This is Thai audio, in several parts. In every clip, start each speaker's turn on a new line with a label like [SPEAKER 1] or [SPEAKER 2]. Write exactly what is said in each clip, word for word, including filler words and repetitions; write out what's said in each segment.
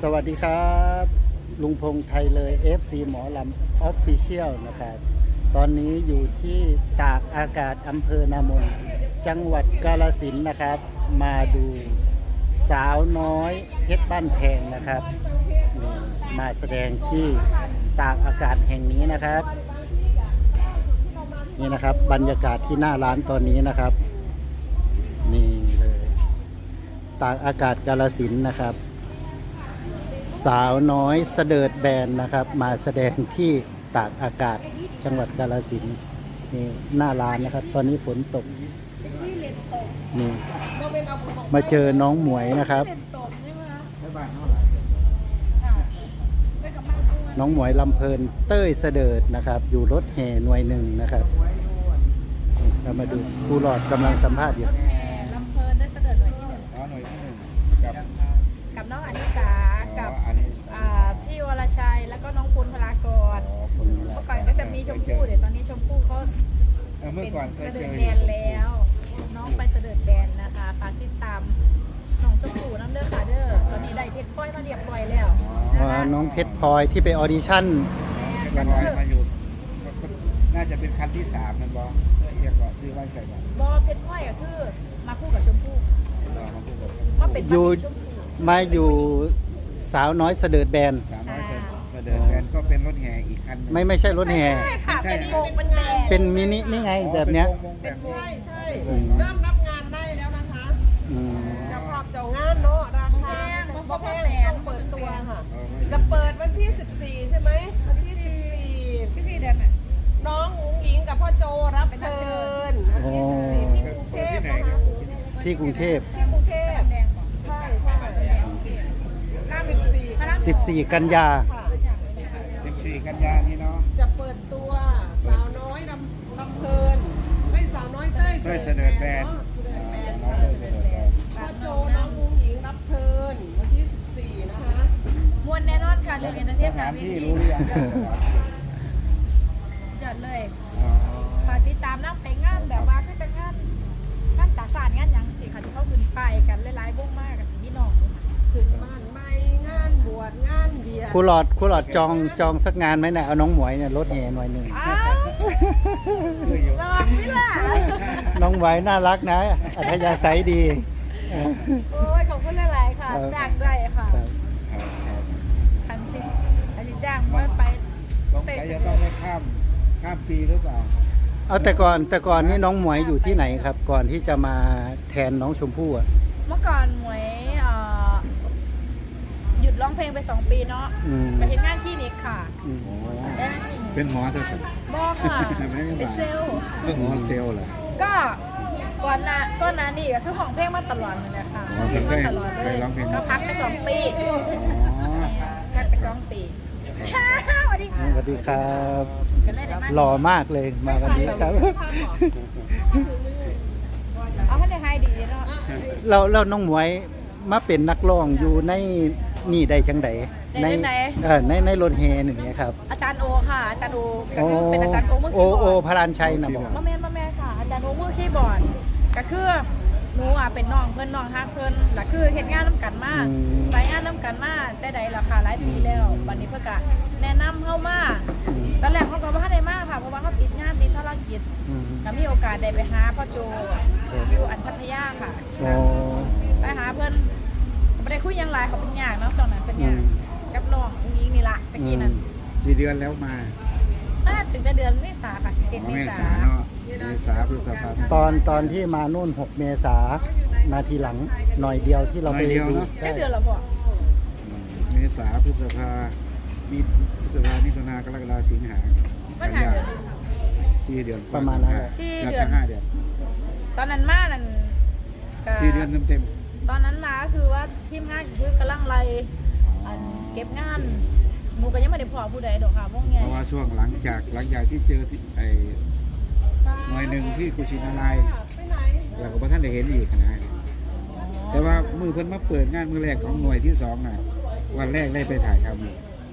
[SPEAKER 1] วัสดีครับลุงพงษ์ไทยเลย เอฟ ซี หมอลำออฟฟิเชียลนะครับตอนนี้อยู่ที่ตากอากาศอำเภอนามนจังหวัดกาฬสินธุ์นะครับมาดูสาวน้อยเพชรบ้านแพงนะครับมาแสดงที่ตากอากาศแห่งนี้นะครับนี่นะครับบรรยากาศที่หน้าร้านตอนนี้นะครับนี่เลยตากอากาศกาฬสินธุ์นะครับสาวน้อยเสดิร์ดแบนนะครับมาแสดงที่ตากอากาศจังหวัดกาฬสินธุ์นี่หน้าร้านนะครับตอนนี้ฝนตกนี่มาเจอน้องหมวยนะครับน้องหมวยลำเพลินเต้ยเสดิร์ดนะครับอยู่รถแห่หน่วยหนึ่งนะครับเรามาดูครูหลอดกำลังสัมภาษณ์อยู่
[SPEAKER 2] ลำเพลินได้เสด็จหน่วยที่หนึ่ง
[SPEAKER 3] อ๋อหน่วยที่หนึ่งกับ
[SPEAKER 2] กับน้องอนิสากับอ่าพี่วรชัยแล้วก็น้องปุณพลากรเมื่อก่อนก็จะมีชมพู่แต่ตอนนี้ชมพู่เขา
[SPEAKER 3] เมื่อ
[SPEAKER 2] เป็น
[SPEAKER 3] ก่อนเค
[SPEAKER 2] เส
[SPEAKER 3] ย
[SPEAKER 2] ด็
[SPEAKER 3] เจ
[SPEAKER 2] จ
[SPEAKER 3] อ
[SPEAKER 2] แบนแล้วน้องไปเสด็จแบนนะคะฝากติดตามน้องชมพู่น้ำเด้อค่ะเด้อตอนนี้ได้เพชรพลอยมาเรียบร้อยแล้ว
[SPEAKER 1] อ๋อน้องเพชรพลอยที่ไปออดิชั่น
[SPEAKER 3] กันน้อยมาอยู่น่าจะเป็นคันที่สามนั่นบอเรียกว่าซื้อไว้ใส่บ้าน
[SPEAKER 2] บอเพชรพลอยก็คือมาคู่กับชมพู่
[SPEAKER 3] รอมาพูดกับ
[SPEAKER 2] มาเป็น
[SPEAKER 1] อยู่
[SPEAKER 2] ชมพู่
[SPEAKER 1] มาอยู่สาวน้อยเสดิร์ดแบน
[SPEAKER 3] สามร้อยเสด็จแบนก็เป็นรถแห่อีกคัน
[SPEAKER 1] ไม่ไม่ใช่รถแห่
[SPEAKER 2] ใช่ค่ะเป็นวงเป็นแบน
[SPEAKER 1] เป็นมินินี่ไงแบบเนี้ย
[SPEAKER 3] แบบนี้
[SPEAKER 4] ใช่ใช่เริ่มรับงานได้แล้วนะคะ
[SPEAKER 1] อืม
[SPEAKER 4] จะพร้อมเจ้างานเนาะราคา
[SPEAKER 2] แพง
[SPEAKER 4] เพ
[SPEAKER 2] เพราะ
[SPEAKER 4] ราะ
[SPEAKER 2] แพ
[SPEAKER 4] แพ
[SPEAKER 2] ง
[SPEAKER 4] ง
[SPEAKER 2] ต้อง
[SPEAKER 4] เปิดตัวค่ะ
[SPEAKER 3] เออ
[SPEAKER 4] จะเปิดวันที่สิบสี่ใช่ไหมวันที่สิบสี่
[SPEAKER 2] ชื่อที่เดินอ่ะ
[SPEAKER 4] น้องอุ๋งอิงกับพ่อโจรับเชิญวันที่สิบสี่ที่กรุงเทพนะคะ
[SPEAKER 1] ที่กรุงเทพ
[SPEAKER 4] ที่กรุงเทพ
[SPEAKER 2] แดงก่อน
[SPEAKER 4] ใช่ใช่สิบสี่
[SPEAKER 1] สิบสี่กันยา
[SPEAKER 4] ค่ะ
[SPEAKER 3] สิบสี่กันยานี้เนาะ
[SPEAKER 4] จะเปิดตัวสาวน้อยลำลำเพลินไม่สาวน้อยเต้ย
[SPEAKER 3] เต้ยเสด็จแบน
[SPEAKER 4] เนาะเสด็จแบน
[SPEAKER 3] น้อง
[SPEAKER 4] ค่ะ
[SPEAKER 3] เต้ยเสด็จแบน
[SPEAKER 4] พ่อโจน้องอุ๋งอิงรับเชิญวันที่สิบสี่นะคะ
[SPEAKER 2] มวนแน่นอนค่ะเรื่องเอนเตอร์เท
[SPEAKER 3] ส
[SPEAKER 2] น
[SPEAKER 3] ถาน
[SPEAKER 2] เว
[SPEAKER 3] ที่
[SPEAKER 2] ที
[SPEAKER 3] รู้หรือยัง
[SPEAKER 2] จอดเลย
[SPEAKER 3] อ๋อ
[SPEAKER 2] ฝากติดตามน้ำไปงานแบบว่าคือเป็นงานงานตาสานงานหยังสิค่ะที่เขาขึ้นไปกันหลายๆวงมากกับสิพี่น้องเลยค่ะ
[SPEAKER 4] ถึงบ้านไม่งานบวชงานเบียร์
[SPEAKER 1] ครูหลอดครูหลอดจองจองสักงานไหมเนี่ยเอาน้องหมวยเนี่ยรถแห่หน่วยหนึ่ง
[SPEAKER 2] อ้าว
[SPEAKER 3] คืออยู่
[SPEAKER 2] ลองพี่ล่ะ
[SPEAKER 1] น้องไหวน่ารักนะอัธยาศัยดีเออ
[SPEAKER 2] โอ้ยขอบคุณหลายๆค่ะ
[SPEAKER 1] ครับ
[SPEAKER 2] จ้างได้ค่ะ
[SPEAKER 1] ครับ
[SPEAKER 3] ครับครับ
[SPEAKER 2] ทันสิทันสิจ้างว่าไป
[SPEAKER 3] ต้องใช้จะต้องไม่ข้ามข้ามปีหรือเปล่า
[SPEAKER 1] เอาแต่ก่อนแต่ก่อนนี่น้องหมวยอยู่ที่ไหนครับ ก่อนที่จะมาแทนน้องชมพู่อ่ะ
[SPEAKER 2] เมื่อก่อนหมวยเอ่อหยุดร้องเพลงไปสองปีเนาะ
[SPEAKER 1] อืม
[SPEAKER 2] ไปเห็นงานคลินิกค่ะ
[SPEAKER 1] อืม
[SPEAKER 2] เอ๊ะ
[SPEAKER 3] เป็นหมอซะสิ
[SPEAKER 2] บอกค่ะเป็นเซลล์
[SPEAKER 3] เป็นหมอเซลล์เหรอ
[SPEAKER 2] ก็ก่อนหน้าก่อนหน้านี่ก็คือของเพลงมาตลอดเลยนะคะ
[SPEAKER 3] อ๋อ
[SPEAKER 2] เพลง
[SPEAKER 3] เค
[SPEAKER 2] มาย ตลอดเล
[SPEAKER 3] เค
[SPEAKER 2] ย
[SPEAKER 3] ยร้องเพลง
[SPEAKER 2] ก็พักไปสองปี
[SPEAKER 3] อ๋อ
[SPEAKER 2] พักไปสองปีสวัสดีค่ะ
[SPEAKER 1] สวัสดีครับ
[SPEAKER 2] กันเลยได้ไหม
[SPEAKER 1] หล่อมากเลยมาวันนี้ครับ
[SPEAKER 2] เอาให้ได้ให้ดีเนาะ
[SPEAKER 1] เราเราน้องหมวยมาเป็นนักร้องอยู่ในนี่ได้จังไดในเออในในรถแห่หนึ่งเนี่ยครับ
[SPEAKER 2] อาจารย์โอค่ะอาจารย์โอก็
[SPEAKER 1] โอ
[SPEAKER 2] คือเป็นอาจารย์โอมือ
[SPEAKER 1] โอ
[SPEAKER 2] คีย์บ
[SPEAKER 1] โอ
[SPEAKER 2] อร์ด
[SPEAKER 1] พระรานชัยนะบอก
[SPEAKER 2] มาแมนมาแมนค่ะอาจารย์โอมือคีย์บอร์ดก็คือหนูอ่ะเป็นน้องเพื่อนน้องฮักเพื่อนหลักคือเฮ็ดงานน้ำกันมาสายงานน้ำกันมาแต่ใดราคาหลายปีแล้ววันนี้เพื่อกะแนะนำเข้ามาตอนแรกเขาก็บ่ทันได้มาค่ะเพราะว่าเขาติดงานติดธุรกิจ
[SPEAKER 1] อืม
[SPEAKER 2] ก็มีโอกาสได้ไปหาพ่อโจอยู่อันพัทยาค่ะ
[SPEAKER 1] โอ้
[SPEAKER 2] ไปหาเพื่อนไม่ได้คุยหยังไรเขาเป็นยากเนาะช่วงนั้นเป็น
[SPEAKER 1] อื
[SPEAKER 2] ยาก
[SPEAKER 1] ม
[SPEAKER 2] กับน้องอุ้งอิงนี่ละตะกี้นั้น
[SPEAKER 3] กี่เดือนแล้วมา
[SPEAKER 2] มาถึงแต่เดือนเมษาค่ะสิบเจ็ด
[SPEAKER 3] อ๋อ
[SPEAKER 2] เม
[SPEAKER 3] เม
[SPEAKER 2] ษา
[SPEAKER 3] ษาเนาะเมษาพฤษภาคม
[SPEAKER 1] ตอนตอนที่มานู่นหกเมษามาทีหลังหน่อยเดียวที่เราไป
[SPEAKER 3] หน่อยเดียว
[SPEAKER 1] ดู
[SPEAKER 3] เนอะ
[SPEAKER 2] แค่
[SPEAKER 1] ได้
[SPEAKER 2] เดือนละบ่
[SPEAKER 3] เมษาพฤษภามีพฤษภามิถุนากรกฎาสิงหา
[SPEAKER 2] ปัญหาเดือน
[SPEAKER 3] สี่เดือน
[SPEAKER 1] ประมาณนั้นแหละ
[SPEAKER 2] สี่
[SPEAKER 3] น่า
[SPEAKER 2] เดือ
[SPEAKER 3] จะ
[SPEAKER 2] น
[SPEAKER 3] ห้าเดือน
[SPEAKER 2] ตอนนั้นมานั่นก็
[SPEAKER 3] สี่เดือนเต็ม
[SPEAKER 2] ตอนนั้นมาก็คือว่าทีมงานคือกำลังไล่
[SPEAKER 3] ๆ
[SPEAKER 2] อันเก็บงานหนูก็ยังไม่ได้พอผู้ใดดอกค่ะพวกไง
[SPEAKER 3] เพราะว่าช่วงหลังจากหลังจากที่เจอที่ไอ้หน่วยหนึ่งที่กุชินารายณ์
[SPEAKER 4] ไปไหน
[SPEAKER 3] แล้วก็พระท่านได้เห็นอีกนะแต่ว่ามือเพิ่นมาเปิดงานมือแรกของหน่วยที่สองน่ะวันแรกได้ไปถ่ายทำอยู่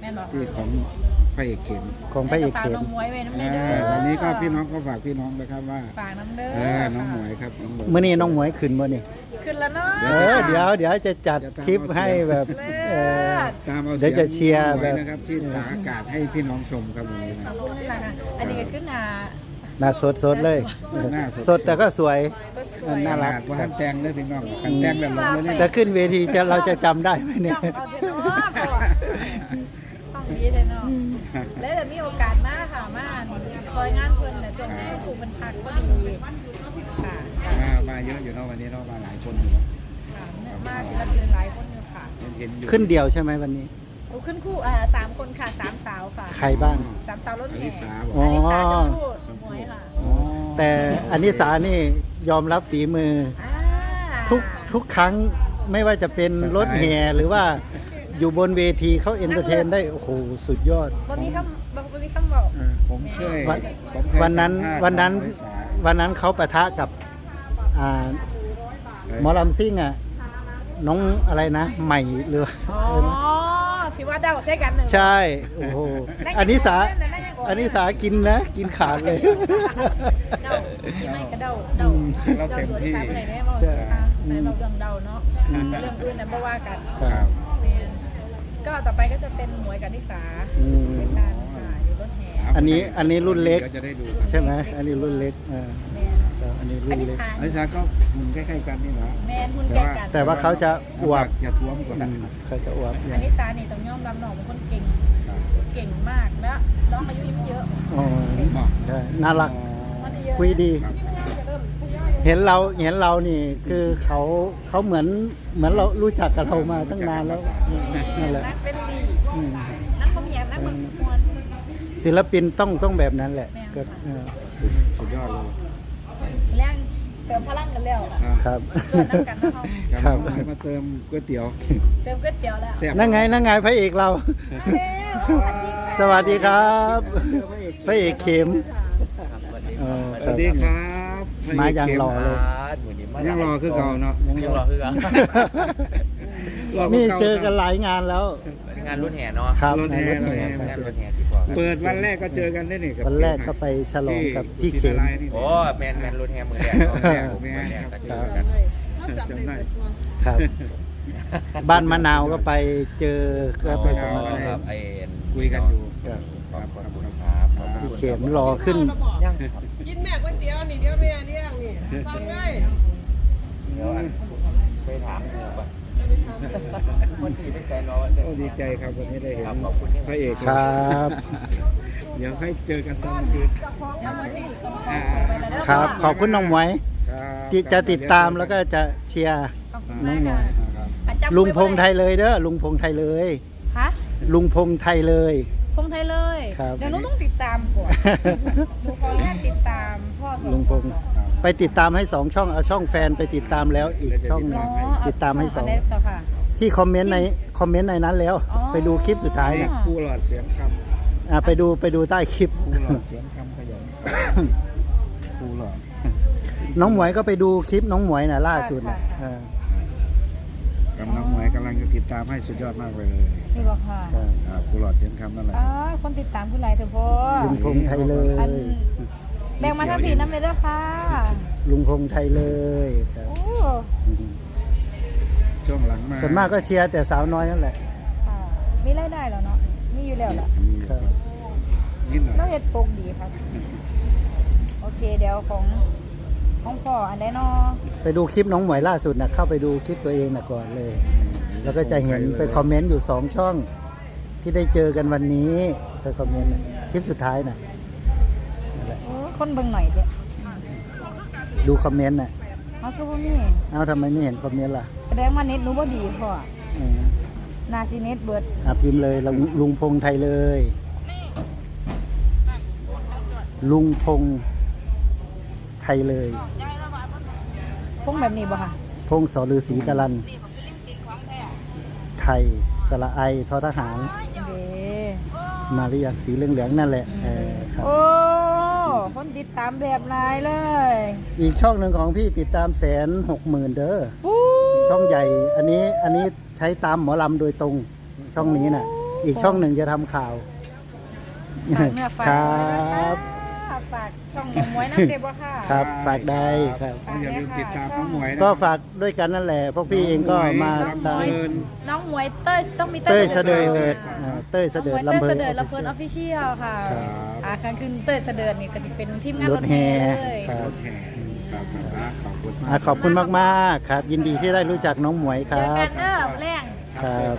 [SPEAKER 2] แม่นบอก
[SPEAKER 3] ที่ของพระเอกเข็ม
[SPEAKER 1] ของพระเอกเข็ม
[SPEAKER 2] น้องหมวยไว้น้ำ
[SPEAKER 3] เอ
[SPEAKER 2] เด้อ
[SPEAKER 3] อวันนี้ก็พี่น้องก็ฝากพี่น้องนะครับว่า
[SPEAKER 2] ฝากน้ำเด้อ
[SPEAKER 3] เออน้องหมวยครับน้องหมวย
[SPEAKER 1] เมื่อนี้น้องหมวยขึ้นบ่นี่
[SPEAKER 2] ขึ้นแล้วเนาะ
[SPEAKER 1] เออเดี๋ยวเดี๋ยวจะจัดคลิปให้แบบเออ
[SPEAKER 3] ตามเอา
[SPEAKER 1] เดี๋ยวจะเชียร์
[SPEAKER 3] น้องหม
[SPEAKER 1] แบบ
[SPEAKER 3] นะครับที่ตากอากาศให้พี่น้องชมครับวันนี้
[SPEAKER 2] ข
[SPEAKER 3] นะ
[SPEAKER 2] อบคุณเลยค่ะอันนี้ก็ขึ้นอ่ะ
[SPEAKER 1] หน้าสดสดเลย
[SPEAKER 3] หน้า
[SPEAKER 1] สดแต่ก็สวย
[SPEAKER 2] สวยๆ
[SPEAKER 1] น่ารัก
[SPEAKER 3] ว่าท่านแตงเลยพี่น้องท่านแตงแบบลงเลยนี่
[SPEAKER 1] แต่ขึ้นเวทีจะเราจะจำได้ไหมเนี่ย
[SPEAKER 2] ต้องเอาเทนอพ่อต้องดีเทนอแล้วเดี๋ยวมีโอกาสมาค่ะมาคอยงานเพิ่นเนี่ยช่วงนี้ถูกมันพักก็ดีค่ะค่ะ
[SPEAKER 3] อ่ามาเยอะอยู่เนาะวันนี้เนาะมาหลายคนอยู่เนาะ
[SPEAKER 2] ค่ะมาศิลปินหลายคนอยู่ค่ะ
[SPEAKER 3] เห็นอยู่
[SPEAKER 1] ขึ้นเดียวใช่ไหมวันนี้
[SPEAKER 2] โอ้ขึ้นคู่อ่าสามคนค่ะสามสาวค่ะ
[SPEAKER 1] ใครบ้าง
[SPEAKER 2] สามสาวรถ
[SPEAKER 3] อ
[SPEAKER 2] แห่
[SPEAKER 3] ลิสาบอก
[SPEAKER 1] อ๋อ
[SPEAKER 2] อันนี้สาวชมพู่หมวยค่ะ
[SPEAKER 3] อ๋อ
[SPEAKER 1] แต่อันนี้สานี่ยอมรับฝีมือ
[SPEAKER 2] อ่า
[SPEAKER 1] ทุกทุกครั้งไม่ว่าจะเป็นรถแห่หรือว่าอยู่บนเวทีเขาเอนเตอร์เทนได้โอ้โหสุดยอด
[SPEAKER 2] บ่มีคำบ่มีคำบอก
[SPEAKER 3] ผมเคย
[SPEAKER 1] วัน
[SPEAKER 3] ผมเคย
[SPEAKER 1] วันนั้น
[SPEAKER 3] สัมภาษณ์
[SPEAKER 1] วันนั้น
[SPEAKER 3] อลิสา
[SPEAKER 1] วันนั้นเขาปะทะกับอ่าหมอลำซิ่งอ่ะน้องอะไรนะ ใหม่หรือ
[SPEAKER 2] อ๋อที่ว่าเดาใช้กันหนึ่ง
[SPEAKER 1] ใช่โอ้โหอันนี้สาอันนี้สากินนะ กินขาดเลย
[SPEAKER 2] เดาที่ไม่ก็เดาเดาเดาสวนสายไปไหนได้บ่
[SPEAKER 1] ใช่
[SPEAKER 2] ค่ะในเราเรื่องเดาเนาะเรื่องอื่นนั้นบ่ว่ากัน
[SPEAKER 1] ครับ
[SPEAKER 2] แม่นก็ต่อไปก็จะเป็นหมวยกับนิสา
[SPEAKER 1] อืม
[SPEAKER 2] เป็นการค่ะอยู่รถแห่
[SPEAKER 1] อันนี้อันนี้รุ่นเล็ก
[SPEAKER 3] ดี๋ยวจะได้ดูครับ
[SPEAKER 1] ใช่ไหมอันนี้รุ่นเล็กอ่า
[SPEAKER 2] แม่น
[SPEAKER 1] ครับอันนี้รุ่
[SPEAKER 2] อัน
[SPEAKER 1] น
[SPEAKER 2] นี้
[SPEAKER 1] เล็ก
[SPEAKER 2] สา
[SPEAKER 3] อลิสาก็หุ่นใกล้ๆกันนี่นะ
[SPEAKER 2] แม่นหุ่นแก่กัน
[SPEAKER 1] แต่ว่าเขาจะอวบ
[SPEAKER 3] อย่าท้วมกว่า
[SPEAKER 1] อื
[SPEAKER 3] นั้น
[SPEAKER 1] มเขาจะอวบ
[SPEAKER 2] อันนี้สานี่ต้องยอมรับน้องเป็นคนเก่ง เก่งมากแล้วน้องอายุยังเยอะ
[SPEAKER 1] อ๋อใช่น่ารัก
[SPEAKER 2] มันเยอะ
[SPEAKER 1] คุยดี เห็นเราเห็นเรานี่คือเขาเขาเหมือนเหมือนเรารู้จักกับเรามาตั้งนานแล้วนั่นแหละ
[SPEAKER 2] นักเป็นดี
[SPEAKER 1] อืม
[SPEAKER 2] นักเขามีอย่างนักมันมวน
[SPEAKER 1] ศิลปินต้องต้องแบบนั้นแหละ
[SPEAKER 2] แม่น
[SPEAKER 1] ก็เออ
[SPEAKER 3] สุดยอดเลย
[SPEAKER 2] แรงเติมพลังกันแล้ว
[SPEAKER 3] อ่า
[SPEAKER 1] ครับ
[SPEAKER 2] เกิดน้ำกันนะเขา
[SPEAKER 1] ครับ
[SPEAKER 3] น้องหมวยมาเติมก๋วยเตี๋ยว
[SPEAKER 2] เติมก๋วยเตี๋ยวแล้ว
[SPEAKER 3] แซ่บ
[SPEAKER 1] นั่งไงนั่งไงพระเอกเรา สวัสดีครับ พระเอกเข็มเออ
[SPEAKER 3] สวัสดีครับ
[SPEAKER 1] มาอย่างหล่อเลย
[SPEAKER 3] ยังรอคือเก่าเนาะ
[SPEAKER 1] ยัง
[SPEAKER 5] ยังรอคือกัน
[SPEAKER 3] รอคื
[SPEAKER 1] นี่
[SPEAKER 3] ก่า
[SPEAKER 1] เจอกันหลายงานแล้ว
[SPEAKER 5] งานรุ่นแห่เนาะ
[SPEAKER 1] ครับ
[SPEAKER 3] รถแห่
[SPEAKER 1] ในรถแห่
[SPEAKER 3] รถแห่
[SPEAKER 5] งานรุ่นแห่ดีกว่า
[SPEAKER 3] เปิดวันแรกก็เจอกันได้นี่กับ
[SPEAKER 1] วันแรกก็ไปฉลองกับพี่เข็ม
[SPEAKER 3] ที่ที่
[SPEAKER 5] โอ้แมนแมนรุ่นแห่มือแรกเนาะแรกมือแรกก็เจอกัน
[SPEAKER 3] จำได้
[SPEAKER 1] ครับ บ้านมะนาวก็ไปเจอก็ไปส
[SPEAKER 5] อ๋
[SPEAKER 1] มั
[SPEAKER 5] อ
[SPEAKER 1] คร
[SPEAKER 5] ครับไอ้
[SPEAKER 3] คุยกันอยู่
[SPEAKER 1] ครับ
[SPEAKER 5] ขอบคุณครับขอบคุ
[SPEAKER 1] พี่
[SPEAKER 5] ณ
[SPEAKER 1] เข็มรอขึ้น
[SPEAKER 5] ยังครับ
[SPEAKER 4] กินแม่ก๋วยเตี๋ยวนี่เดี๋ยวแม่เลี้ยงนี่สั่งเลย
[SPEAKER 5] เดี๋ยวอันไปถามดูก่อนคนที่เป็นแฟนเรา
[SPEAKER 3] โอ้ดีใจครับวันนี้ได้เห็น
[SPEAKER 5] ครับขอบคุณ
[SPEAKER 3] พระเอก
[SPEAKER 1] ครับ
[SPEAKER 3] เดี๋ยวให้เจอกันตอนคืน
[SPEAKER 2] เดี๋ยวมาสิต้องขอตัวไปแล้ว
[SPEAKER 1] ครับ ขอบคุณน้องหมวย
[SPEAKER 3] ครับ
[SPEAKER 1] ที่จะติดตามแล้วก็จะเชียร์
[SPEAKER 2] ขอบคุณ
[SPEAKER 1] น้
[SPEAKER 2] มา
[SPEAKER 1] อก งหมว
[SPEAKER 2] ค่ะ
[SPEAKER 1] ย
[SPEAKER 3] ครับ
[SPEAKER 2] อ่ะจำ
[SPEAKER 1] ลุงพงไทยเลยเด้อลุงพงไทยเลย
[SPEAKER 2] ฮะ
[SPEAKER 1] ลุงพงไทยเลย
[SPEAKER 2] พงไทยเลย
[SPEAKER 1] ครับ
[SPEAKER 2] เดี๋ยวหนูต้องติดตามก่อนหนูขออนุญาตติดตามพ่อสอง
[SPEAKER 1] ลุงพงไปติดตามให้สองช่องเอาช่องแฟนไปติดตามแล้วอีกช่องหนึ
[SPEAKER 2] อ๋
[SPEAKER 1] ง
[SPEAKER 2] อ
[SPEAKER 1] ติดตามให้สอง
[SPEAKER 2] เาต่อค่ะ
[SPEAKER 1] ที่คอมเมนต์ในคอมเมนต์ในนั้นแล้ว
[SPEAKER 2] อ๋อ
[SPEAKER 1] ไปดูคลิปสุดท้าย
[SPEAKER 3] นี่
[SPEAKER 1] นะ
[SPEAKER 3] คู่หลอดเสียงค
[SPEAKER 1] อ่ะไปดูไปดูใต้คลิป
[SPEAKER 3] ำคู่หลอดเสียงคำขยันคู่หลอด
[SPEAKER 1] น้องหมวยก็ไปดูคลิปน้องหมวยน่ะล่าสุดน่ะ
[SPEAKER 2] ค่ะ
[SPEAKER 1] เออ
[SPEAKER 3] กับน้องหมวยกำลังจะติดตามให้สุดยอดมากเลย
[SPEAKER 2] นี่บอกค่ะ
[SPEAKER 1] ครับ
[SPEAKER 3] ครับคู่หลอดเสียงคำนั่นแหละ
[SPEAKER 2] อ๋อคนติดตามคุณหลายเถอะพ่อ
[SPEAKER 1] ลุงพงไทยเล
[SPEAKER 2] อัน
[SPEAKER 1] ย
[SPEAKER 2] แบ่งมาทั้งผีน้ำเลยเด้อค่ะ
[SPEAKER 1] ลุงพงไทยเลยครับ
[SPEAKER 2] โอ้
[SPEAKER 3] ช่วงหลังมา
[SPEAKER 1] ส่วนมากก็เชียร์แต่สาวน้อยนั่นแหละ
[SPEAKER 2] ค่ะมีรายได้แล้วเนาะมีอยู่แล้วล่ะ
[SPEAKER 3] มี
[SPEAKER 1] ครับ
[SPEAKER 3] นิดหน่อย
[SPEAKER 2] เราเฮ็ดปกดีครับ โอเคเดี๋ยวของของพ่ออันใดเนาะ
[SPEAKER 1] ไปดูคลิปน้องหมวยล่าสุดนะเข้าไปดูคลิปตัวเองนะก่อนเลย แล้วก็จะเห็นไปคอมเมนต์อยู่สองช่อง ที่ได้เจอกันวันนี้ไปคอมเมนต์น่ะคลิปสุดท้ายน่ะนั่นแหละ
[SPEAKER 2] โอ้คนเบิ่งหน่อยเด้อ
[SPEAKER 1] ดูคอมเมนต์น่ะ
[SPEAKER 2] เอาคือบ่มี
[SPEAKER 1] เอ้าทำไมไม่เห็นคอมเมนต์ล่ะ
[SPEAKER 2] แสดงว่าเน็ตหนูบ่ดีพ่อ
[SPEAKER 1] อืม
[SPEAKER 2] นาซีเน็ตเบิด
[SPEAKER 1] อ่ะพิมพ์เลยลุงลุงพงไทยเลย ลุงพงไทยเลย
[SPEAKER 2] พงแบบนี้บ่ค่ะ
[SPEAKER 1] พงสอฤาษีกรันไทยสระไอทอทหาร
[SPEAKER 2] เด้
[SPEAKER 1] มาหรือยังสีเหลืองๆนั่นแหละเออครับ
[SPEAKER 2] โอ้คนติดตามแบบหลายเลย
[SPEAKER 1] อีกช่องหนึ่งของพี่ติดตามแสนหกหมื่นเด้อ
[SPEAKER 2] ปู๊
[SPEAKER 1] ช่องใหญ่ อันนี้อันนี้ใช้ตามหมอลำโดยตรงช่องนี้น่ะ
[SPEAKER 2] โ
[SPEAKER 1] อีกช่องหนึ่งจะทำข่าว
[SPEAKER 2] ฝากเนื้อฝาก
[SPEAKER 1] คร
[SPEAKER 2] ตัวด้วยนะ
[SPEAKER 1] ั
[SPEAKER 2] คะ
[SPEAKER 1] บ
[SPEAKER 2] ฝากช่องหมมวยน้ำเด็บบ่ค่ะ
[SPEAKER 1] ครับฝากได้ครับ
[SPEAKER 3] ก็อย่าลืมติดตามน้องหมวยนะ
[SPEAKER 1] ก็ฝากด้วยกันนั่นแหละพวกพี่เองก็มา
[SPEAKER 3] น้องหม
[SPEAKER 1] ตาม
[SPEAKER 3] วย
[SPEAKER 2] น้องหมวยเต้ยต้องมี
[SPEAKER 1] เต้ยเสดิ
[SPEAKER 2] เส
[SPEAKER 1] ร์ดอ่าเต้ยเสดิร์ด
[SPEAKER 2] น้องหมวย
[SPEAKER 1] ลำ
[SPEAKER 2] เต้ย
[SPEAKER 1] เพิ
[SPEAKER 2] เส
[SPEAKER 1] น
[SPEAKER 2] ดิร์ดลำเพลินออฟฟิเชียลค่ะ
[SPEAKER 3] ครับ
[SPEAKER 2] อ่าครั้งคืนเต้ยเสดิร์ดนี่ก็จะเป็นทีมงาน
[SPEAKER 1] ร
[SPEAKER 2] ร
[SPEAKER 1] ถ
[SPEAKER 2] ถ
[SPEAKER 1] แห่
[SPEAKER 2] แห่เลย
[SPEAKER 1] ครับ
[SPEAKER 3] รถแห่ครับครับขอบคุณมา
[SPEAKER 1] อ่าก ขอบคุณมากๆครับ ยินดีที่ได้รู้จักน้องหมวยค
[SPEAKER 2] เจ
[SPEAKER 1] รั
[SPEAKER 2] อบ กันเด้อแรง
[SPEAKER 1] ครับ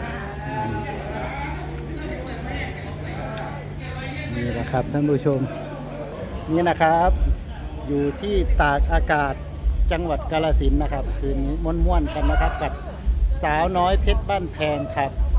[SPEAKER 1] นี่แหละครับท่านผู้ชม นี่นะครับ อยู่ที่ตากอากาศจังหวัดกาฬสินธุ์นะครับ คืนนี้ม่วนๆกันนะครับกับสาวน้อยเพชรบ้านแพงครับ